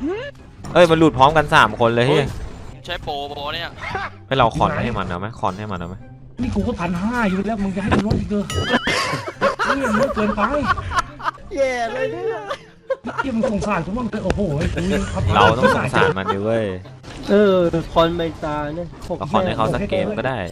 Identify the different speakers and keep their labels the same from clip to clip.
Speaker 1: เอ้ยมันหลุดพร้อมกัน3 คนเลยเฮ้ย
Speaker 2: ใช้โปรเนี่ย
Speaker 1: ให้เราคอนให้มันเอาไหมคอนให้มันเอาไหม
Speaker 3: นี่กูก็1,500อยู่แล้วมึงจะให้กูลดอีกเหรอนี่มันเกินไป
Speaker 4: แย่เลยเนี่ย
Speaker 3: ที่มึงสงสารกูบ้างเลยโอ้โห
Speaker 1: เราต้องสงสารมันดิเว้ย
Speaker 4: คอนใบตาเนี่ย
Speaker 1: ก็คอนให้เขาสักเกมก็ได้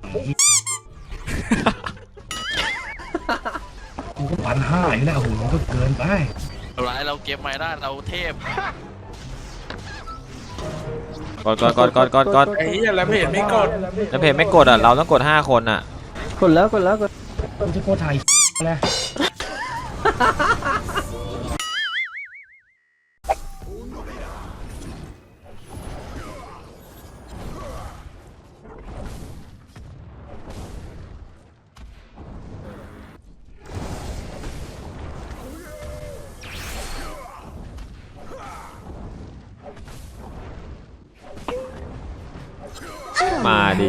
Speaker 3: กูก็1,500อยู่แล้วโอ้โหมันก็เกินไป
Speaker 2: เราเก็บไม่ได้เราเทพ
Speaker 1: กด
Speaker 5: ไอ้เหี้ยแล้วเพจไม่กด
Speaker 1: แล้วเพจไม่กดอ่ะเราต้องกด5 คนอ่ะ
Speaker 4: กดแล้ว
Speaker 3: กูจะโคตรไทยแล้ว
Speaker 1: มาดี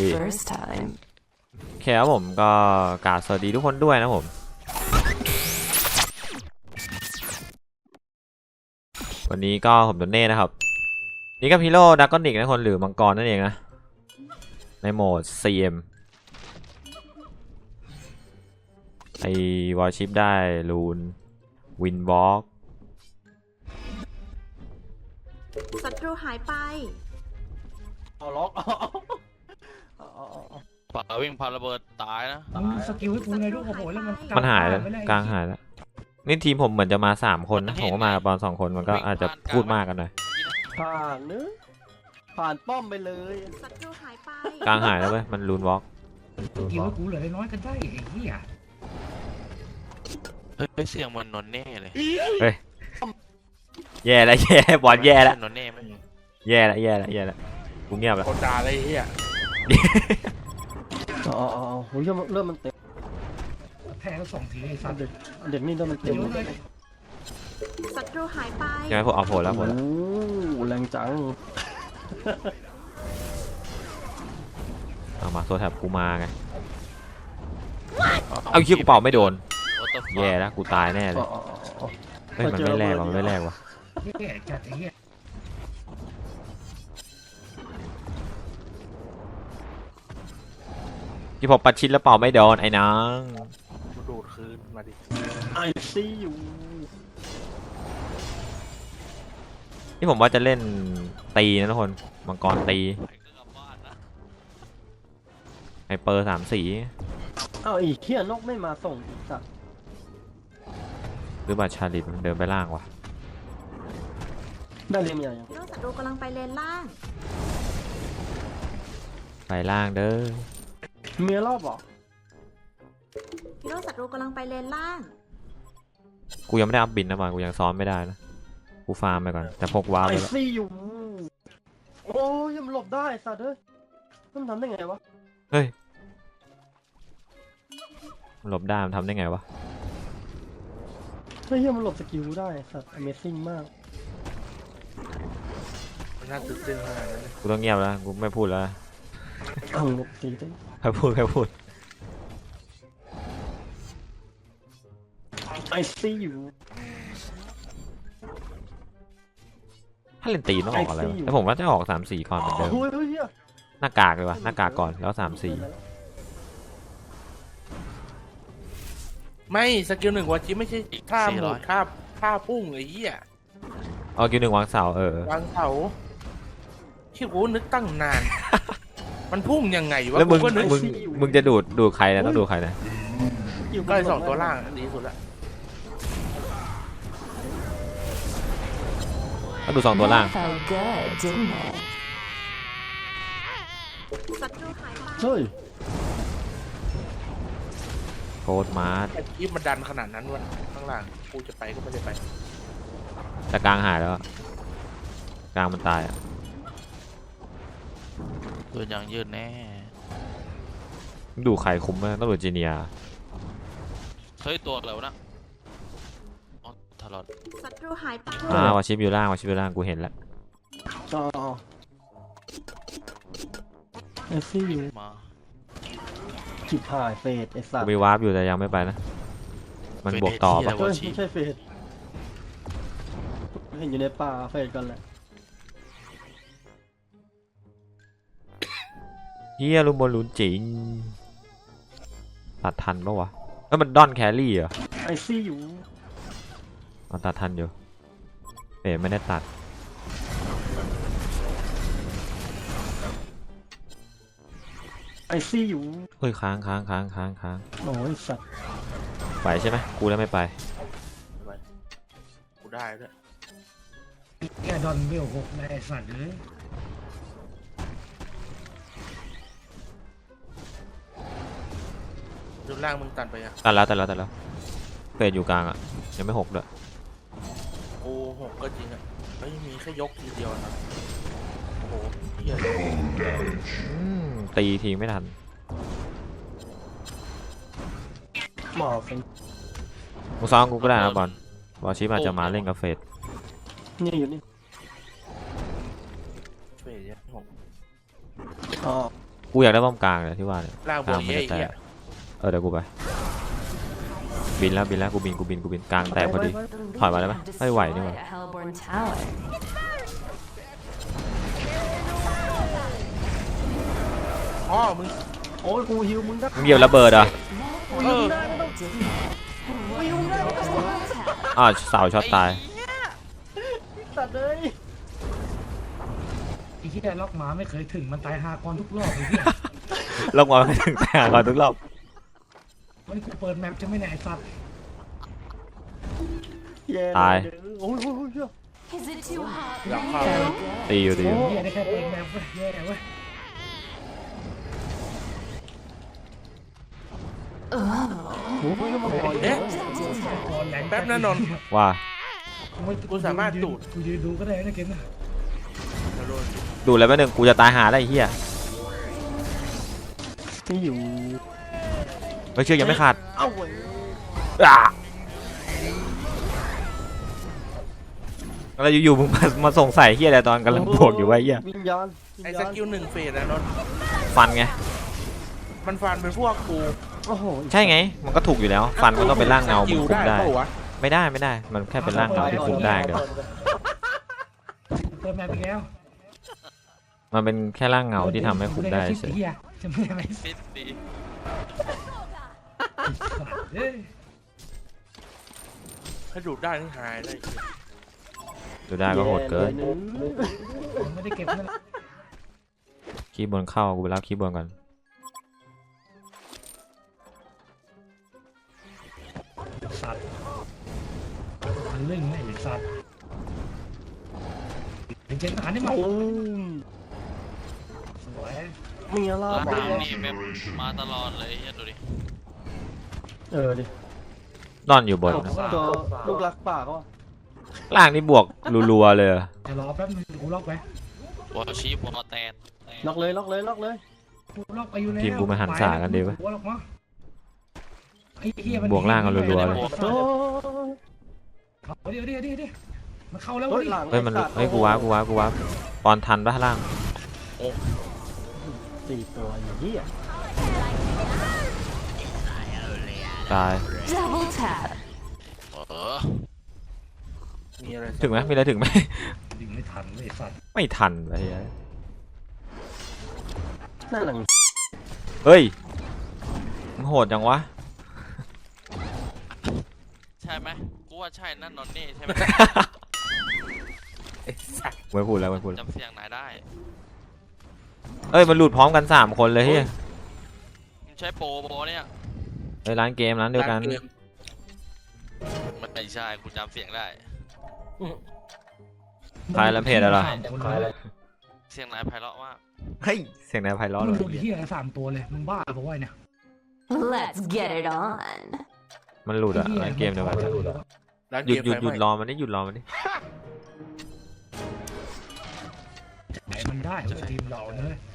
Speaker 1: แค่ผมก็กราบสวัสดีทุกคนด้วยนะผมวันนี้ก็ผมโดนเน่นะครับนี่ก็พิโร่ดักกอนิกนะคนหรือมังกรนั่นเองนะในโหมด CM ไอวอลชิปได้ลูนวินวอล์ก
Speaker 6: ศัตรูหายไป
Speaker 4: ล็อก
Speaker 2: ป่าวิ่งพาระเบิดตายนะ
Speaker 3: สกิลให้กูไงลูกโอ้โหแล้ว
Speaker 1: มันหายแล้วกลางหายแล้วนี่ทีมผมเหมือนจะมา3 คนนะผมก็มาบอล2 คนมันก็อาจจะพูดมากกันหน่อย
Speaker 4: ผ่านป้อมไปเลย
Speaker 6: ศัตรูหายไป
Speaker 1: กลางหายแล้วเว้ยมันลูนวอล์ก
Speaker 3: สกิลให้กูเหลือน้อยกันได้ไอ้เหี้ย
Speaker 2: เสียงมันนนเน่เลย
Speaker 1: เฮ้ยแย่แล้วบอลแย่แล้ว
Speaker 2: นนเน่ไหม
Speaker 1: แย่แล้วกูเงียบแล้ว
Speaker 5: คนด่าอะไรเหี้ย
Speaker 4: เริ่มมันเต็ม
Speaker 3: แพ้ก็2 ทีไอ้สัตว์
Speaker 4: เด็กนี่เริ่มมันเต็ม
Speaker 6: ศัตรูหายไป
Speaker 1: ยังไงพวกเอาโผล่แล้ว
Speaker 4: แรงจัง
Speaker 1: เอามาโซแทบกูมาไงเอาคิ้วกูเป่าไม่โดนแย่แล้วกูตายแน่เลยเฮ้ยมันไม่แรงว่ะ
Speaker 3: แย่จัดไอ้เหี้ย
Speaker 1: ที่พอปัดชิดแล้วเป่าไม่โดนไอ้น้อง
Speaker 5: ดูดคืนมาดิ
Speaker 4: ไอซียู
Speaker 1: นี่ผมว่าจะเล่นตีนะทุกคนมังกรตีไฮเปอร์3 สี
Speaker 4: อีกเที่ยนกไม่มาส่งอีกสัก
Speaker 1: หรือบัตรชาลิตมันเดินไปล่างวะ
Speaker 4: ได้เรียมใหญ่ยัง
Speaker 6: ศัตรูกำลังไปเลนล่าง
Speaker 1: ไปล่างเด้อ
Speaker 4: เมียรอบบอก
Speaker 6: ฮีโร่ศัตรูกำลังไปเลนล่าง
Speaker 1: กูยังไม่ได้อัพบินนะบอลกูยังซ้อมไม่ได้นะกูฟาร์มไปก่อนแต่พกว้าไปแล้ว
Speaker 4: ไอซีอยู่โอ้ยยังหลบได้สัตว์เฮ้ยมันทำได้ไงวะ
Speaker 1: เฮ้ยหลบได้มันทำได้ไงวะ
Speaker 4: เฮ้ยมันหลบสกิลได้สัตว์ Amazing มาก
Speaker 5: มันน่าตื่นเต้นขนาดนั้น
Speaker 1: กูต้องเงียบแล้วกูไม่พูดแล้ว
Speaker 4: หลบตีได้
Speaker 1: แค่พูด
Speaker 4: ไอซีอยู่
Speaker 1: ถ้าเล่นตีต้องออกอะไรวะแต่ผมว่าจะออก3 สีก่อนเหมือนเดิมหน้ากากเลยวะหน้ากากก่อนแล้ว3 สี
Speaker 5: ไม่สกิล1วาจิไม่ใช่ท่าหมุนท่าพุ่งไอ้เหี้ย
Speaker 1: เอากิว1วางเสาว
Speaker 5: างเสาที่กูนึกตั้งนานมันพุ่งยังไงวะ
Speaker 1: แล้วมึงจะดูดใครนะต้องดูใครนะ
Speaker 5: ก็เลย2 ตัวล่างดีสุดละ
Speaker 1: ต้องดู2 ตัวล่าง
Speaker 4: เฮ้ย
Speaker 1: โคตรมาร์ท
Speaker 5: คลิปมันดันขนาดนั้นวะข้างล่างกูจะไปก็ไม่ได้ไป
Speaker 1: แต่กลางหายแล้วกลางมันตายอ่ะ
Speaker 2: ตัวอย่างยืดแน่
Speaker 1: ดูใครคุมไหมต้องดูจีเนีย
Speaker 2: เฮ้ยตัวแล้วนะทารอด
Speaker 6: ศัตรูหายไป
Speaker 1: วาชิปอยู่ล่างกูเห็นแล้ว
Speaker 4: ไอซีอยู่
Speaker 2: มา
Speaker 4: จิบหายเฟดไอสัตว์
Speaker 1: มีวาร์ปอยู่แต่ยังไม่ไปนะมันบวกต่อปะ
Speaker 4: ไม่ใช่เฟดเห็นอยู่ในป่าเฟดกันแหละ
Speaker 1: เฮียลุมบอลลูนจริงตัดทันปะวะแล้วมันด้อนแครี่เหรอ
Speaker 4: ไอซี่อยู่
Speaker 1: มันตัดทันอยู่เป๋ไม่ได้ตัด
Speaker 4: ไอซี่อยู่
Speaker 1: เฮ้ยค้าง
Speaker 4: โอ้ยสัตว์
Speaker 1: ไปใช่ไหมกูแล้วไม่ไป
Speaker 5: ไปกูได้ด้วย
Speaker 3: แค่ดอนเวลหกในไอ้สัตว์เลย
Speaker 5: ดูล่างมึงตัดไปอ่ะ
Speaker 1: ตัดแล้วเฟดอยู่กลางอ่ะยังไม่หกด้วย
Speaker 5: โอ้หกก็จริงอ่ะเฮ้ยมีแค่ยกทีเดียวนะโอ้โหเหี้ย
Speaker 1: ตีทีไม่ทัน
Speaker 4: หมอเป็น
Speaker 1: มึงซ้อมกูก็ได้นะบอลชิปอาจจะมาเล่นกับเฟด
Speaker 4: นี่อยู่นี่
Speaker 5: เฟยเนี่ยหก
Speaker 4: อ๋อ
Speaker 1: กูอยากได้ป้อมกลางเลยที่ว่าเนี่ย
Speaker 5: ล่างบวกเยอะอีก
Speaker 1: แต่
Speaker 5: อ่ะ
Speaker 1: เดี๋ยวกูไปบินแล้วกูบินกลางแตกพอดี ถอยมาได้ไหมไม่ไหวนี่หว่า
Speaker 5: อ๋อมึง
Speaker 4: โอ้ยกูฮิวมึงได้
Speaker 1: มึงเหยียบระเบิดเหรอ่ะ
Speaker 5: เออ
Speaker 1: เสาช็อตตาย
Speaker 4: สัตว์เลย
Speaker 3: ไอ้ที่ได้ล็อกหมาไม่เคยถึงมันตายหากรทุกรอบเลยพี่
Speaker 1: ลงมาไม่ถึงแต่ก่อนทุกรอบ
Speaker 3: วันนี้กูเปิดแมปจะไม่ไหนไอ้สัตว์
Speaker 4: แย่
Speaker 1: ตาย
Speaker 4: โอ้ยโอ้ยโอ้ยเหี้ย
Speaker 5: อยากเข้า
Speaker 1: ตีอยู่
Speaker 3: เฮียได้แค่เปิดแมปเว้ยแย่เว้ย
Speaker 4: โอ้ยมันคอย
Speaker 5: เอ๊ะ
Speaker 3: ก่อนใหญ่
Speaker 5: แป๊บนะนนท์
Speaker 1: ว่า
Speaker 5: กูสามารถดูด
Speaker 3: กูยืนดูก็ได้นะเกมนะ
Speaker 5: แล้วโดน
Speaker 1: ดูแล้วแป๊บนึงกูจะตายหาได้ไอ้เหี้ย
Speaker 4: นี่อยู่
Speaker 1: ไม่เชื่อยังไม่ขาด
Speaker 4: เอ้าเว้ย
Speaker 1: อ่ะแล้วอยู่ๆมึงมาส่งใส่เหี้ยอะไรตอนกำลังบวกอยู่วะไอ้เหี้ย
Speaker 4: วิญญาณ
Speaker 5: ไอ้สกิลหนึ่งเฟสนะนนท์
Speaker 1: ฟันไง
Speaker 5: มันฟันเป็นพวกกู
Speaker 4: โอ้โห
Speaker 1: ใช่ไง มันก็ถูกอยู่แล้ว ฟันก็ต้องเป็นร่างเงา
Speaker 5: ส
Speaker 1: มึ
Speaker 5: กิ
Speaker 1: ง
Speaker 5: ล
Speaker 1: คุมได้
Speaker 5: เปล่าวะ
Speaker 1: ไม่ได้ มันแค่เป็นร่างเงาที่คุมได้เดี๋ยว
Speaker 3: เปิดแมปอีกแล้ว
Speaker 1: มันเป็นแค่ร่างเงาที่ทำให้คุมได้เฉย
Speaker 3: เฮียจะไม่อะไร
Speaker 2: ฟิตดี
Speaker 3: เอ้ย
Speaker 5: ถ้าดูดได้นี่หายเลย
Speaker 1: ดูได้ก็โหดเกิน
Speaker 3: ผมไม่ได้เก็บนั่นแหละ
Speaker 1: คีย์บนเข้ากูไปรับคีย์บนก่อน
Speaker 3: สัตว์มันเรื่องไอ้สัตว์เป็นเจนหาได้ไหม
Speaker 4: โอ้ย
Speaker 3: สวย
Speaker 4: มีอะไร
Speaker 2: แล้ว
Speaker 4: บ้า
Speaker 2: ทาง งนี่แบบมาตลอดเลยเฮียดูดิ
Speaker 4: ดิ
Speaker 1: นอนอยู่บนนะ
Speaker 4: ตัวลูกรักป่าเขาอะ
Speaker 1: ล่างนี่บวกรัวๆเลยอะ
Speaker 3: จะรอแป๊บนึงกูล็อกไป
Speaker 2: วอลชีพวอลแตน
Speaker 4: ล็อกเลยล็อกเลยล็อกเลย
Speaker 3: กูล็อกไปอยู่แล้ว
Speaker 1: ทีมกูมาหันสากันดีวะ
Speaker 3: กูล็อกมาไอ้เหี้ยมัน
Speaker 1: บวกล่างกันรัวๆเลย
Speaker 4: โอ้ย
Speaker 3: เดี๋ยวมันเข้าแล้ว
Speaker 4: โอ้ย
Speaker 3: ดิ
Speaker 4: หลัง
Speaker 1: เฮ้ยมัน
Speaker 4: ขาด
Speaker 1: เฮ้ยกูว้าปอนทันปะล่าง
Speaker 4: สี่ตัวอย่างนี้อ่ะ
Speaker 1: ตาย
Speaker 2: เออ
Speaker 5: มีอะไร
Speaker 1: ถึงไหมมีอะไรถึงไหม
Speaker 3: ดึงไม่ทันเลยสัตว์
Speaker 1: ไม่ทันไปเฮ้ย
Speaker 4: นั่นหลัง
Speaker 1: เฮ้ยมึงโหดจังวะ
Speaker 2: ใช่ไหมกูว่าใช่นั่นนอนนี่ใช่ไหม
Speaker 5: ไอ้สัส
Speaker 1: ไม่พูดแล้วไม่พูด
Speaker 2: จำเสียงไหนได้
Speaker 1: เอ้ยมันหลุดพร้อมกัน3คนเลยเฮ้ย
Speaker 2: มึงใช้โปรเนี่ย
Speaker 1: เฮ้ยร้านเกมร้านเดียวกัน
Speaker 2: มันไม่ใช่กูจำเสียงได้
Speaker 1: ใครละเพจอะไร
Speaker 2: เสียงไหนไพเราะมาก
Speaker 1: เฮ้ยเสียงนายไพเราะ
Speaker 3: มึ
Speaker 1: เล
Speaker 3: ง
Speaker 1: ย
Speaker 3: ดูดิเหี้ย3ตัวเลยมึงบ้าเพราะว่าเนี่ย
Speaker 6: Let's get it on
Speaker 1: มันหลุดอะร้านเกมเดียวกัน
Speaker 5: ร้าน
Speaker 1: หยุ
Speaker 5: เก
Speaker 1: ด
Speaker 5: ม
Speaker 1: หยุด
Speaker 5: ไฟ
Speaker 1: หยุด
Speaker 5: ไหม้
Speaker 1: รอมันดิหยุดรอมันดิ
Speaker 3: ไหนมันได้เว้ยทีมเราเนอะ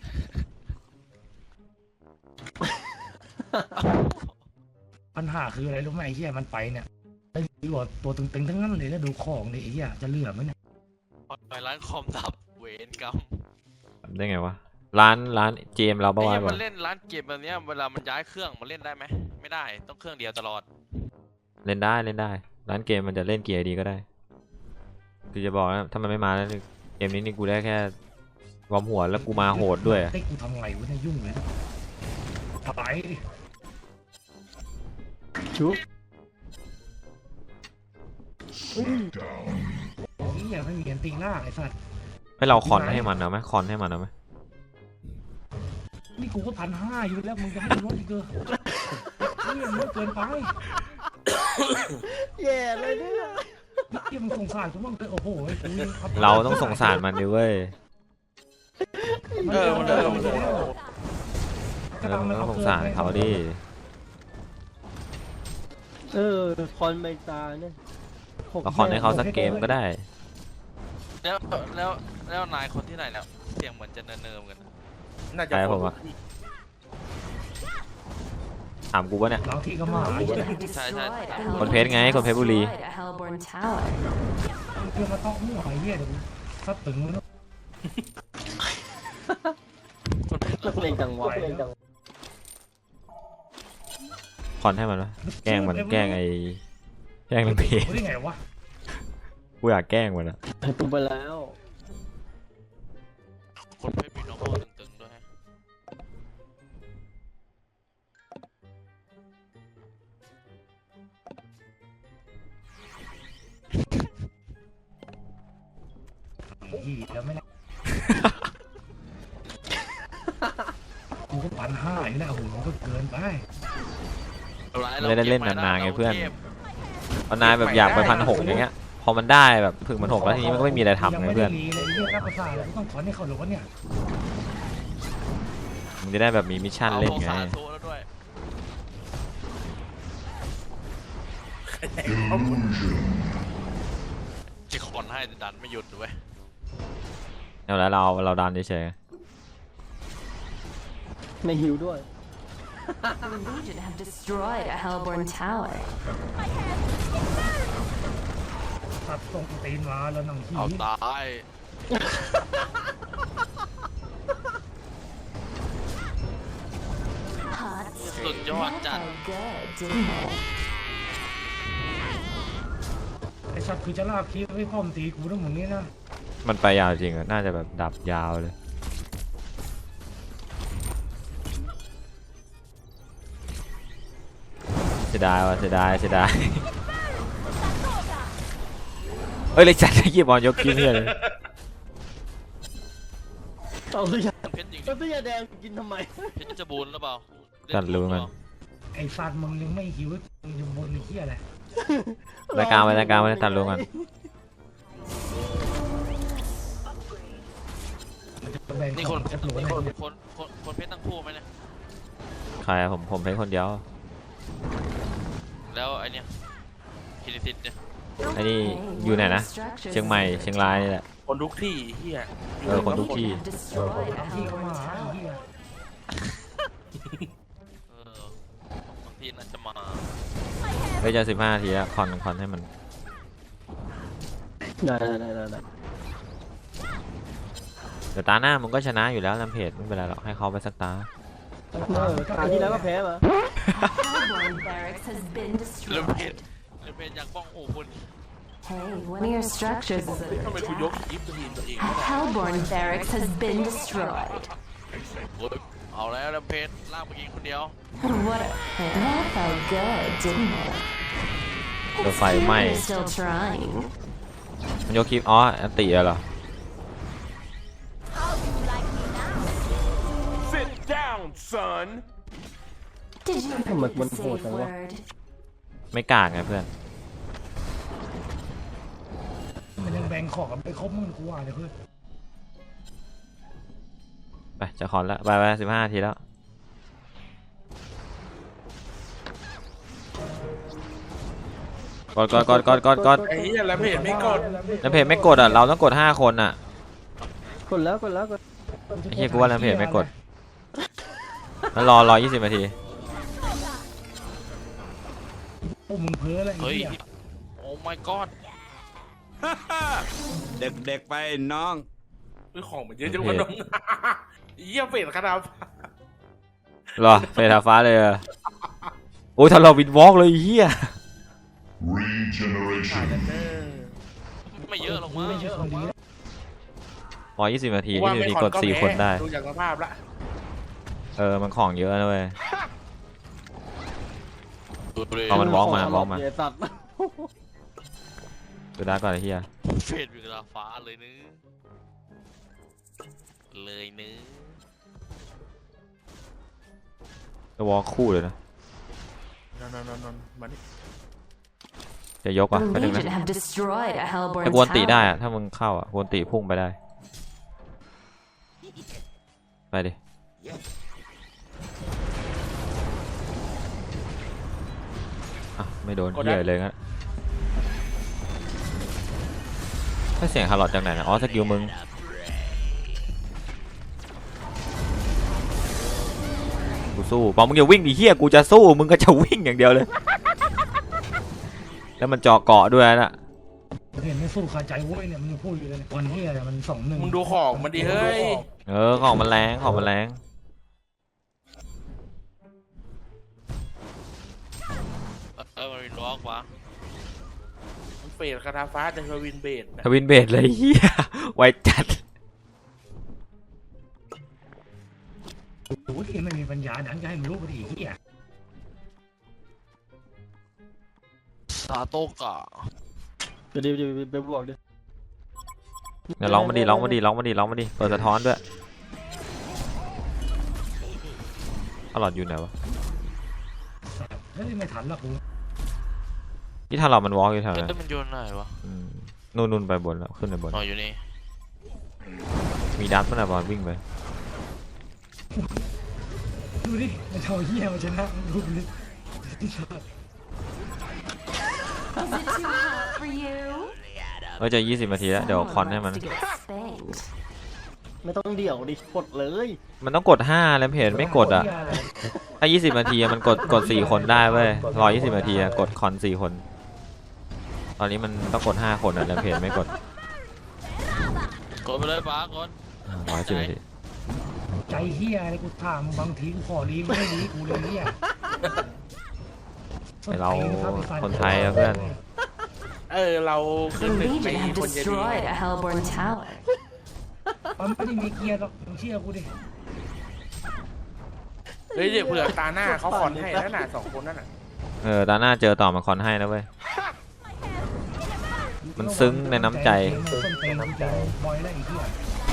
Speaker 3: ปัญหาคืออะไรรู้ไหมไอ้เหี้ยมันไปเนี่ยไอ้ตัวตึงๆทั้งนั้นเลยแล้วดูของดิไอ้เหี้ยจะเหลือไหมเนี่ย
Speaker 2: ไปร้านคอมดับเวรกรรม
Speaker 1: ทำได้ไงวะร้านเกมเรา
Speaker 2: ไอ้
Speaker 1: บ้า
Speaker 2: เหี้ย
Speaker 1: ก่อ
Speaker 2: มัน นเล่นร้านเกมแบบเนี้ยเวลามันย้ายเครื่องมันเล่นได้ไหมไม่ได้ต้องเครื่องเดียวตลอด
Speaker 1: เล่นได้ร้านเกมมันจะเล่นเกียร์ดีก็ได้คือจะบอกนะถ้ามันไม่มาแล้วเกมนี้นี่กูได้แค่วอร์มหัวแล้วกูมาโหดด้วย
Speaker 3: ได้กูทำไงวะเนี่ยยุ่งเลยนะไปดิ
Speaker 4: ชุบ
Speaker 3: นี่อย่าไม่มีอันตีล่างไอ้สัตว์
Speaker 1: ให้เราคอนให้มันเอาไหมคอนให้มันเอาไหม
Speaker 3: นี่กูก็1,500อยู่แล้วมึงจะให้กูลดอีกเกอนี่มันเกินไป
Speaker 4: แย่เลยเนี่ย
Speaker 3: ที่มึงสงสารกูบ้างเลยโอ้โห
Speaker 1: เราต้องสงสารมันดิเว้ย
Speaker 5: มันเดิม
Speaker 1: เราต้องสงสารเขาดิ
Speaker 4: คอนใบตาเนี่ย
Speaker 1: เราคอนให้เขาสักเกมก็ได้
Speaker 2: แล้วนายคนที่ไหนแล้วเสียงเหมือนจะเนิมๆกันนะ
Speaker 5: น่าจะ
Speaker 1: ใช่ผมอะ ถามกูปะเนี่ย
Speaker 3: เราที่ก็มาไอ้เหี้ย
Speaker 1: คนเพชรไงคนเพชรบุรี
Speaker 3: เพื่อมาต้องมั่วไอ้เหี้ยเดี๋ยวซัดตึงแล้ว
Speaker 4: นักเลงจังหวะ
Speaker 1: คอนให้มันวะแกล้งมันแกล้งไอ้แกล้งลังเพจ
Speaker 3: ได้ไงวะ
Speaker 1: กูอยากแกล้งมันอะ
Speaker 4: ตุ้มไปแล้ว
Speaker 2: คนไม่มีน้องโมตึงๆด้วย
Speaker 3: อีแล้วไม่ได้กูก็1,500อยู่แล้วโอ้โหมันก็เกินไป
Speaker 1: ไม่ได้เล่นนานๆไงเพื่อนตอนนายแบบอยากไป1,600อย่างเงี้ยพอมันได้แบบถึง1,600แล้วทีนี้มันก็ไม่มีอะไรทำไงเพื่อน
Speaker 3: ยังไม่ได้รีเลยเรื่องรับประสาทเลยต้องขอให้เขาหรือวะเนี่ย
Speaker 1: มึงจะได้แบบมีมิชชั่นเล่นไง
Speaker 2: อาโทแล้วด้วยจะคอนให้แต่ดันไม่หยุดด้วย
Speaker 1: เอาแล้วเราดันเฉย
Speaker 4: ในหิวด้วย
Speaker 7: The Legion have destroyed a Hellborn tower.
Speaker 3: ตัดตรงตีนมาแล้วนั่งขี้
Speaker 2: เอาตาย
Speaker 7: Hot
Speaker 2: สุดยอดจัด
Speaker 7: felt good, didn't it?
Speaker 3: ไอ้สัตว์คือจะลากคีบให้พ่อมตีกูทั้งหมดนี้นะ
Speaker 1: ๆมันไปยาวจริงอะน่าจะแบบดับยาวเลยเสียดายว่ะเสียดายเฮ้ยเลยจัดให้ยีบบอลยกกิ้งเลย
Speaker 4: เอาตัวยา
Speaker 2: เพชรยิง
Speaker 4: เอาตัวยาแดงกินทำไม
Speaker 2: เพชรจะบูนหรือเปล่า
Speaker 1: จัดรู้มัน
Speaker 3: ไอ้สัตว์มึงยังไม่หิวมึงอยู่บนไอ้เหี้ยอะไร
Speaker 1: รายการไว้ตัดลงกัน
Speaker 3: มันจะแบ่ง
Speaker 2: นี่
Speaker 3: ข
Speaker 2: ค
Speaker 3: อน งจะโหล
Speaker 2: นี่
Speaker 3: นะ
Speaker 2: คนเพชรทั้งคู่ไหมเนี่ย
Speaker 1: ใครอะผมเพ่คนเดียว
Speaker 2: แล้วไอเนี้ยคิริสิตเนี่ย
Speaker 1: ไอ้นี่อยู่ไหนนะเชียงใหม่เชียงรายนี่แหละ
Speaker 5: คนทุกที่เฮีย
Speaker 1: คนทุกที่
Speaker 7: Have destroyed a
Speaker 3: ที่เขามา
Speaker 7: Hellborn
Speaker 3: หาไอ้
Speaker 7: tower.
Speaker 3: เหี้ย
Speaker 2: บางทีน่าจะมา
Speaker 1: ไปจะ15 นาทีอะคอนให้มัน
Speaker 4: ได้
Speaker 1: เดี๋ยวตาหน้ามึงก็ชนะอยู่แล้วลำเพจไม่เป็นไรหรอกให้เขาไปสักตา
Speaker 4: คราวที่แล้วก็แพ้มา
Speaker 7: Hellborn barracks has been
Speaker 2: เรื่อง
Speaker 7: destroyed.
Speaker 2: เพชรอยากบ้องโอ้คุณ
Speaker 7: Hey, one of your structures is
Speaker 5: ทำไม
Speaker 7: under
Speaker 5: กูยก
Speaker 7: attack.
Speaker 5: ยิปตัวเอง
Speaker 7: A Hellborn barracks has been destroyed.
Speaker 2: เอาแล้วเรื่องเพชรลากไปกินคนเดียว
Speaker 7: What a... That felt good, didn't it?
Speaker 1: โดนไฟไหม้
Speaker 7: You're still trying.
Speaker 1: มันยกคลิปอ๋ออันติเหรอ
Speaker 7: Did you
Speaker 4: Come on,
Speaker 7: forget the
Speaker 4: one
Speaker 7: safe
Speaker 4: more,
Speaker 7: word?
Speaker 1: ไม่กากไงเพื่อน
Speaker 3: มันยังแบ่งของกันไปครบมึงกูว่าเลยเพื่อน
Speaker 1: ไปจะคอนแล้วไป15 นาทีแล้วกด
Speaker 5: ไอ้เฮียแล้วเพจไม่กด
Speaker 1: ลำเพจไม่กดอ่ะเราต้องกด5 คนอ่ะ
Speaker 4: กดแล้ว
Speaker 1: ไอ้เหี้ยกูว่าลำเพจไม่กดแล้วรอ20 นาที
Speaker 3: พวกมึงเพ้ออะไรไอ้
Speaker 2: เฮ้ย
Speaker 3: เหี้ย
Speaker 2: โอ้ my god
Speaker 8: เด็กๆไปน้อง
Speaker 5: คือของมันเยอะจังวะน้องเฮียเฟดขนาด
Speaker 1: รอเฟทาฟ้าเลยอะโอ้ยถ้าเราวินวอล์กเลยไอ้เฮีย
Speaker 5: ถ่ายกันเนอ
Speaker 2: ไม่ไม่เยอะหรอก
Speaker 3: กู
Speaker 2: มั้ง
Speaker 3: ไม่ใช่คนดีแล้ว
Speaker 1: 120 นาที
Speaker 5: ว่า
Speaker 1: 20 นาที
Speaker 5: ไม่
Speaker 1: กด 4 คนได้
Speaker 5: ดูจากสภาพละ
Speaker 1: มันของเยอะนะเว้ย
Speaker 2: ดูดิ
Speaker 1: เอามัน walk มา
Speaker 4: เหี้ยสัตว์
Speaker 1: ดูได้ก่อนไอ้เหี้ย
Speaker 2: เฟดอยู่กับฟ้าเลยนึเลยนึ
Speaker 1: จะวอลคู่เลยนะ
Speaker 5: นอนมาดิ
Speaker 1: จะยก
Speaker 7: The
Speaker 1: อ่ะไปถึงนะ
Speaker 7: Legion have destroyed a Hellborn
Speaker 1: แต่กวนตีได้
Speaker 7: tower.
Speaker 1: อะถ้ามึงเข้าอ่ะกวนตีพุ่งไปได้ ไปดิอ่ะไม่โดนเหี้ยเลยงั้นถ้าเสียงฮาร์ลอดจากไหนนะอ๋อสกิลมึงกูสู้ปอมึงอย่าวิ่งดิเหี้ยกูจะสู้มึงก็จะวิ่งอย่างเดียวเลย แล้วมันเจาะเกาะด้วยนะ
Speaker 3: เห็นไม่สู้คาใจเว้ยเนี่ยมันยังพูดอยู่เลยเนี่ยวันนี้อะไรมัน2-1
Speaker 5: มึงดูของมันดิเฮ้ย
Speaker 1: ของมันแรงของมันแรง
Speaker 2: มันเป็นล็อกวะ
Speaker 5: มันเฟดคาถาฟ้าจะทวินเบดนะ
Speaker 1: ทวินเบสเลยเฮียไวจัด
Speaker 3: โอ้ยไม่มีปัญญาดันจะให้มันรู้ไปดิเหี้ย
Speaker 2: ซาโตกะ
Speaker 4: จะดีไปบวกดิ
Speaker 1: เดี๋ยวร้องมาดิเปิดสะท้อนด้วยฮาร์ลอดอยู่ไหนวะ
Speaker 3: เฮ้ยไม่ทันละกู
Speaker 1: ที่ฮาร์ลอดมันวอล์กอยู่แถวนั้น
Speaker 2: มันโยนไหนวะ
Speaker 1: นู่นไปบนแล้วขึ้นไปบน
Speaker 2: อ๋ออยู่นี่
Speaker 1: มีดัตมันอะบอลวิ่งไป
Speaker 3: ดูดิมันเอาเหี้ยมาชนะดูดิ
Speaker 7: Is it too hot for you?
Speaker 1: จะ20 นาทีแล้วเดี๋ยวคอนให้มัน
Speaker 7: Wants to get spanked.
Speaker 4: ไม่ต้องเดี่ยวดิกดเลย
Speaker 1: มันต้องกด5แล้วเพจไม่กดอ่ะถ้า20 นาทีอะมันกด4 คนได้เว้ย120 นาทีอะกดคอน4 คน ตอนนี้มันต้องกด5 คนอะแล้วเพจไม่กด
Speaker 2: กดไปเลยป้ากด
Speaker 1: 110 นาที
Speaker 3: ใจเหี้ยอะไรกูถามบางทีกูขอดีไม่ได้ดีกูเลยเหี้ย
Speaker 1: เราคนไทยอะเพื่อน
Speaker 5: เรา
Speaker 7: The
Speaker 5: ขึ้นหนึ่งใน
Speaker 7: Legion have
Speaker 5: คนจะดี
Speaker 7: destroyed a Hellborn tower.
Speaker 3: มันไม่ได้มีเกียร์หรอกมึงเชื่อกูดิ
Speaker 5: เฮ้ยเดี๋ยวเผื่อตาหน้าเขาคอนให้แล้วน่ะ2 คนนั่นน่ะ
Speaker 1: ตาหน้าเจอต่อมาคอนให้นะเว้ย มันซึ้งในน้ำใจ
Speaker 3: ส้นตีนน้ำใจบอยแล้วไอ้เหี้ย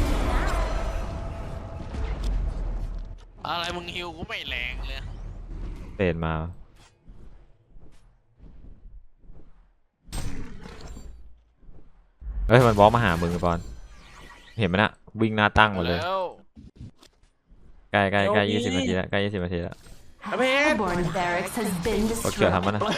Speaker 2: อะไรมึงฮิวกูไม่แรงเลย
Speaker 1: เปลี่ยนมาเฮ้ยมันบล็อกมาหามึงบอลเห็นไหมนะวิ่งหน้าตั้งหมดเลย
Speaker 2: แล้ว
Speaker 1: ใกล้20 นาทีแล้วใกล้20 นาทีแล้ว
Speaker 7: Hellborn barracks has been
Speaker 1: กดเขียว
Speaker 7: destroyed.
Speaker 1: ทำมันนะ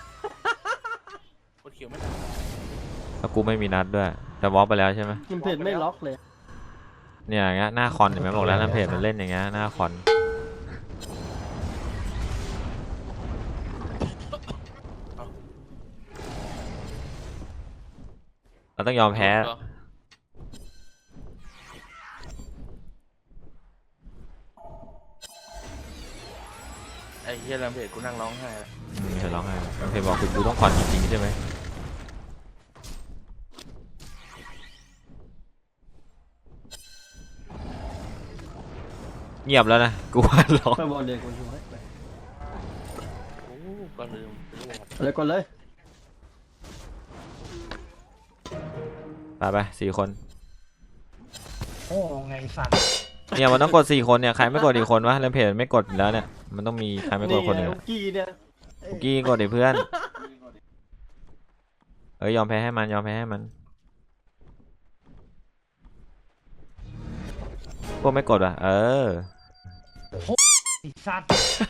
Speaker 5: กดเขียวไม่ได้
Speaker 1: แล้วกูไม่มีนัดด้วยจะบล็อกไปแล้วใช่ไหม
Speaker 4: มันเพจไม่ล็อกเลย
Speaker 1: เนี่ยอย่างเงี้ยหน้าคอนเห็นไหมบอกแล้วน้ำเพจมันเล่นอย่างเงี้ยหน้าคอนเราต้องยอมแพ้
Speaker 5: ไอ้เฮียแรมเพจกูนั่งร้องไห้แล้ว
Speaker 1: เห็นร้องไห้น้ำเพจบอกคือกูต้องคอนจริงๆใช่ไหมเงียบแล้วนะกูว่าร้อง
Speaker 4: ไปบอลเลยคนช่วย
Speaker 5: โอ้ก็ลืม
Speaker 4: เลยกดเลย
Speaker 1: ไป4 คน
Speaker 3: โอ้ไงสัตว์
Speaker 1: เนี่ยมันต้องกด4 คนเนี่ยใครไม่กดอีกคนวะแล้วเพจไม่กดแล้วเนี่ยมันต้องมีใครไม่กดคนหนึ่ง
Speaker 4: ไงกี้เนี่ย
Speaker 1: คุกกี้กดดิเพื่อนยอมแพ้ให้มันพวกไม่กดอ่ะ
Speaker 3: ไอ้สัตว์